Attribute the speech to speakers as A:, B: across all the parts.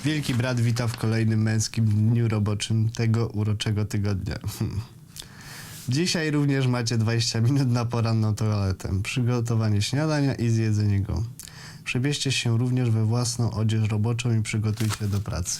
A: Wielki brat wita w kolejnym męskim dniu roboczym tego uroczego tygodnia. Dzisiaj również macie 20 minut na poranną toaletę, przygotowanie śniadania i zjedzenie go. Przebierzcie się również we własną odzież roboczą i przygotujcie do pracy.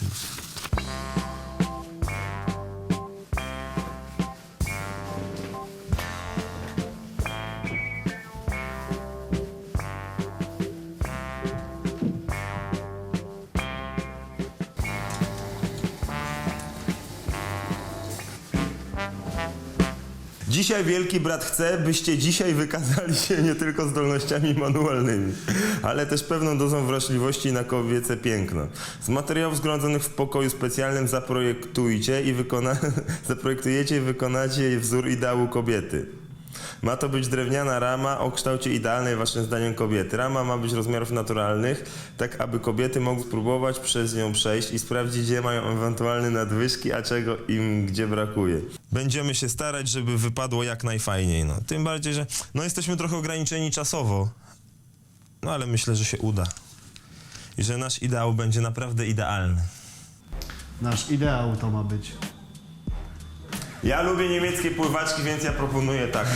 B: Dzisiaj wielki brat chce, byście dzisiaj wykazali się nie tylko zdolnościami manualnymi, ale też pewną dozą wrażliwości na kobiece piękno. Z materiałów zgromadzonych w pokoju specjalnym zaprojektujecie i wykonacie wzór ideału kobiety. Ma to być drewniana rama o kształcie idealnej waszym zdaniem kobiety. Rama ma być rozmiarów naturalnych, tak aby kobiety mogły spróbować przez nią przejść i sprawdzić, gdzie mają ewentualne nadwyżki, a czego im gdzie brakuje. Będziemy się starać, żeby wypadło jak najfajniej. No. Tym bardziej, że jesteśmy trochę ograniczeni czasowo, ale myślę, że się uda. I że nasz ideał będzie naprawdę idealny.
A: Nasz ideał to ma być.
B: Ja lubię niemieckie pływaczki, więc ja proponuję tak.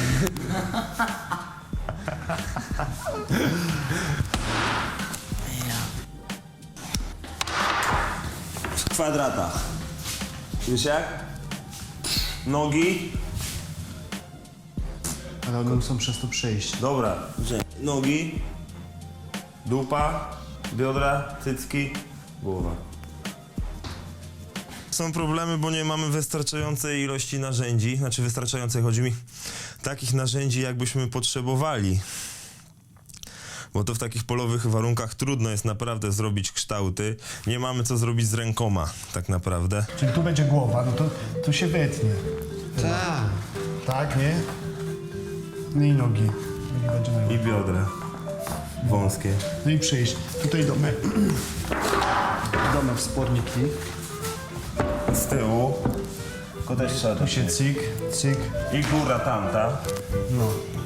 B: W kwadratach. Wiesz jak? Nogi.
A: Ale one muszą przez to przejść.
B: Dobra, nogi. Dupa. Biodra. Cycki. Głowa. Są problemy, bo nie mamy wystarczającej ilości narzędzi, chodzi mi takich narzędzi, jakbyśmy potrzebowali. Bo to w takich polowych warunkach trudno jest naprawdę zrobić kształty. Nie mamy co zrobić z rękoma, tak naprawdę.
A: Czyli tu będzie głowa, no to tu się wytnie.
C: Tak.
A: Tak, nie? No i nogi. Nogi będzie na
B: I biodra. Wąskie.
A: No i przyjść. Tutaj domek. Domek wsporniki.
B: Z tyłu. To też trzeba.
A: Tu się cyk, cyk.
B: I góra tamta.
A: No.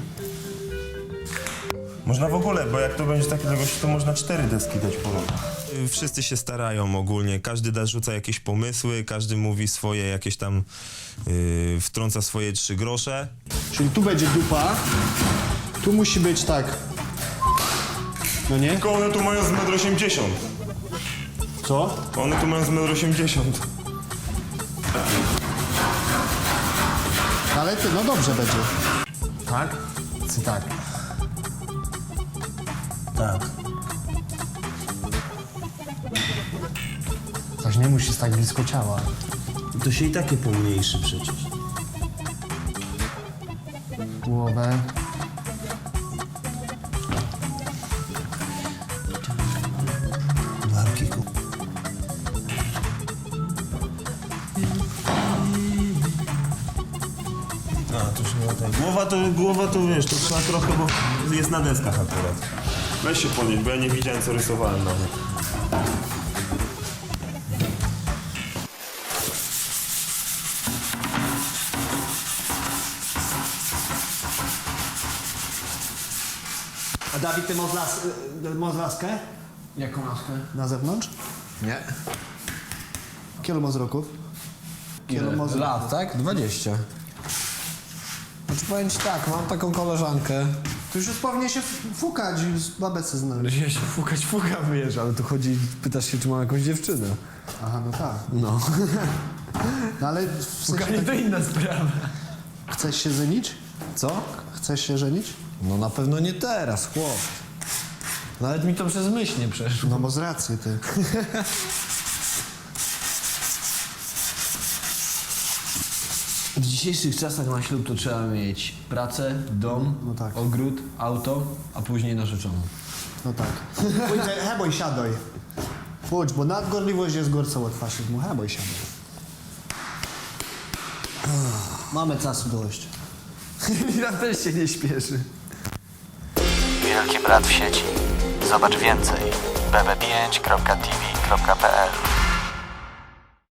B: Można w ogóle, bo jak to będzie takie długości, to można 4 deski dać po roku. Wszyscy się starają ogólnie, każdy rzuca jakieś pomysły, każdy mówi swoje jakieś tam, wtrąca swoje 3 grosze.
A: Czyli tu będzie dupa. Tu musi być tak. No nie?
B: Tylko one tu mają z 1,80 m.
A: Co?
B: One tu mają z 1,80 m.
A: Ale ty, no dobrze będzie. Tak? Czy tak?
B: Tak.
A: Coś nie musi tak blisko ciała.
B: To się i takie pomniejszy przecież.
A: Głowę.
B: Barki to już nie ma tak. Głowa to wiesz, to trzeba trochę, bo jest na deskach akurat. Weź się podnieść, bo ja nie widziałem, co rysowałem nawet.
A: A Dawid, ty masz laskę?
C: Jaką laskę?
A: Na zewnątrz?
C: Nie.
A: Kielu masz roków?
C: Lat, tak? 20. Znaczy powiem ci tak, mam taką koleżankę.
A: To już powinien się fukać, już babece znaleźć.
C: Ja się fuka wiesz, ale tu chodzi, pytasz się, czy mam jakąś dziewczynę.
A: Aha, no tak.
C: No.
A: No ale w sensie
C: Fukanie to inna sprawa.
A: chcesz się żenić?
C: Co?
A: Chcesz się żenić?
C: No na pewno nie teraz, chłop. Nawet mi to przez myśl nie przeszło.
A: No bo z racji ty.
C: W dzisiejszych czasach na ślub to trzeba mieć pracę, dom,
A: No tak.
C: ogród, auto, a później narzeczoną.
A: No tak. Pójdź, heboj, siadaj. Pójdź, bo nadgorliwość jest gorsza od faszyzmu. Heboj, siadaj. Mamy czasu dość.
C: Ja też się nie śpieszy.
D: Wielki Brat w sieci. Zobacz więcej bb5.tv.pl